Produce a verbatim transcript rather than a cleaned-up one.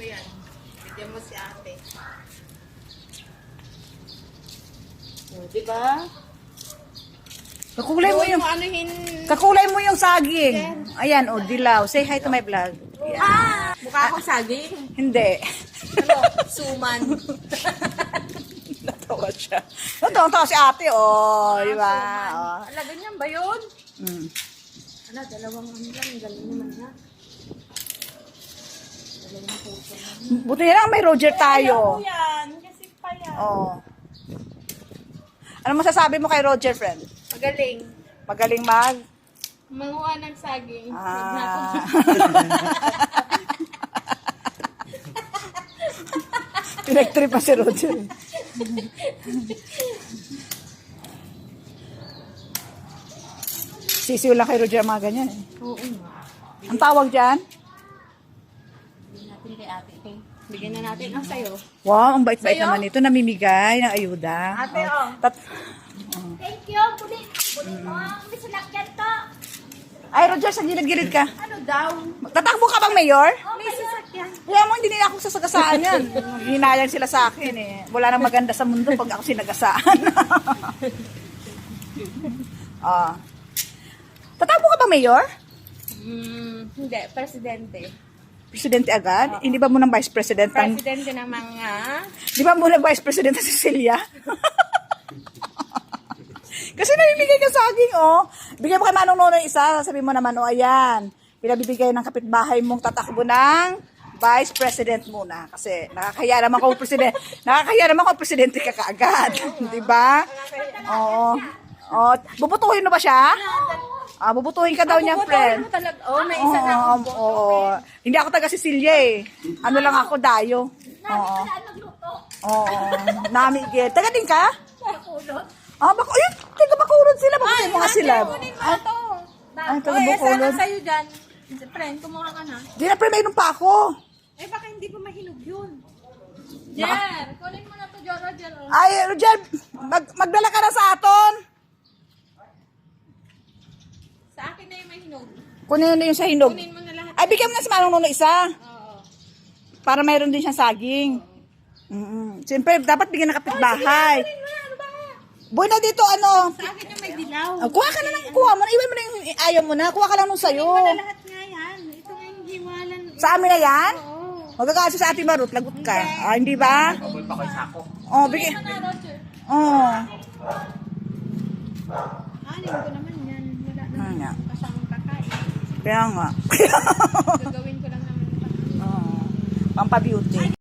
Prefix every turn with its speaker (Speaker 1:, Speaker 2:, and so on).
Speaker 1: yan. Bigyan mo si ate.
Speaker 2: O, diba? Kakulay mo
Speaker 1: Doon
Speaker 2: yung,
Speaker 1: mo anuhin.
Speaker 2: kakulay mo yung saging. Ayan, o, dilaw. Say hi to my vlog.
Speaker 1: Ah! Mukha akong saging.
Speaker 2: Hindi.
Speaker 1: Ano? Suman.
Speaker 2: Natawa siya. Natawa si ate, oh. Di ba? Oh.
Speaker 1: Ala, ganyan ba yun?
Speaker 2: Mm.
Speaker 1: Ala, dalawang ano lang. Galing naman na. Dalawang puso na.
Speaker 2: Buti na lang may Roger tayo.
Speaker 1: yan. Kasi pa yan.
Speaker 2: Oh. Ano masasabi mo kay Roger, friend?
Speaker 1: Magaling.
Speaker 2: Magaling mag?
Speaker 1: Manguha ng saging.
Speaker 2: Ah. Pinag-trip pa si Roger. Sisiw lang kay Roger ang mga ganyan. Eh.
Speaker 1: Oo nga.
Speaker 2: Ang tawag dyan?
Speaker 1: Bigyan natin kay ate. Okay. Bigyan na natin ang sayo.
Speaker 2: Wow, ang bait-bait
Speaker 1: Sa'yo?
Speaker 2: naman ito. Namimigay ng ayuda.
Speaker 1: Ate, oh.
Speaker 2: Tat-
Speaker 3: Thank you. Kunin, kunin mo ang misalakyan to.
Speaker 2: Ay, Roger, sa gilid-gilid ka.
Speaker 1: Ano daw?
Speaker 2: Tatakbo ka bang mayor?
Speaker 1: May sasakyan.
Speaker 2: Kaya mo, hindi nila ako sasagasaan yan. Hinayang sila sa akin eh. Wala nang maganda sa mundo pag ako sinagasaan. Ah. Tatakbo ka ba, Mayor?
Speaker 1: Hmm, hindi. Presidente.
Speaker 2: Presidente agad? Hindi ba muna Vice President? Ang,
Speaker 1: Presidente ng mga...
Speaker 2: di ba muna Vice President si Cecilia? Kasi namimigay ka saging, oh. Bigyan mo kay Manong Nono yung isa, sabi mo naman, oh, ayan. Pinabibigay ng kapitbahay mong tatakbo ng Vice President muna. Kasi nakakaya naman kung Presidente, nakakaya naman kung Presidente ka kaagad. Di ba? Oo. Oh, bubutuhin mo ba siya? Ah, bubutuhin ka daw niya, friend.
Speaker 1: Mo talaga. Oh, may isa na
Speaker 2: Oo,
Speaker 1: akong boto.
Speaker 2: oo. Hindi ako taga Sicilia eh. Ano lang ako, dayo. Oo.
Speaker 3: Saan magluto?
Speaker 2: Oo. Namigil. Taga din ka?
Speaker 3: Nakulot.
Speaker 2: Ah, bako, ayun, taga Bacolod sila. Bakit mga sila?
Speaker 1: Kunin mo na to.
Speaker 2: Ay, taga
Speaker 1: Oh, eh, sana
Speaker 2: Bacolod.
Speaker 1: sa'yo dyan. Friend, kumuha ka na.
Speaker 2: Di na, pre, mayroon pa ako.
Speaker 1: Eh, baka hindi pa mahinog yun. Jer, kunin mo na to, Jer, Roger. oh.
Speaker 2: Ay, Roger, mag magdala ka na sa aton.
Speaker 1: Sa akin na yung mahinog.
Speaker 2: Kunin na yung sa hinog.
Speaker 1: Kunin mo na lahat.
Speaker 2: Ay, bigyan mo na si Manong Nono isa.
Speaker 1: Oo.
Speaker 2: Para mayroon din siyang saging. Mm-mm. Siyempre, dapat bigyan ng kapitbahay.
Speaker 1: Kunin mo, ano ba?
Speaker 2: Boy na dito, ano.
Speaker 1: Sa akin yung may dilaw.
Speaker 2: Ah, kuha ka na lang, kuha mo na. Iwan mo na yung ayaw mo na. Kuha ka lang nung sayo.
Speaker 1: Kunin mo na lahat nga yan. Ito nga yung hiwalan.
Speaker 2: Sa amin na yan?
Speaker 1: Oo.
Speaker 2: Magkakaso sa ating Marut, lagot ka. Ah, hindi ba? Oh, bigyan.
Speaker 1: Kunin mo na, Roger.
Speaker 2: Oh.
Speaker 1: Anin ko naman yan. Wala
Speaker 2: Ano
Speaker 1: naman
Speaker 2: nga?
Speaker 1: kasamang kakain.
Speaker 2: Kaya nga.
Speaker 1: Gagawin ko lang naman.
Speaker 2: Oh. Pampabeauty.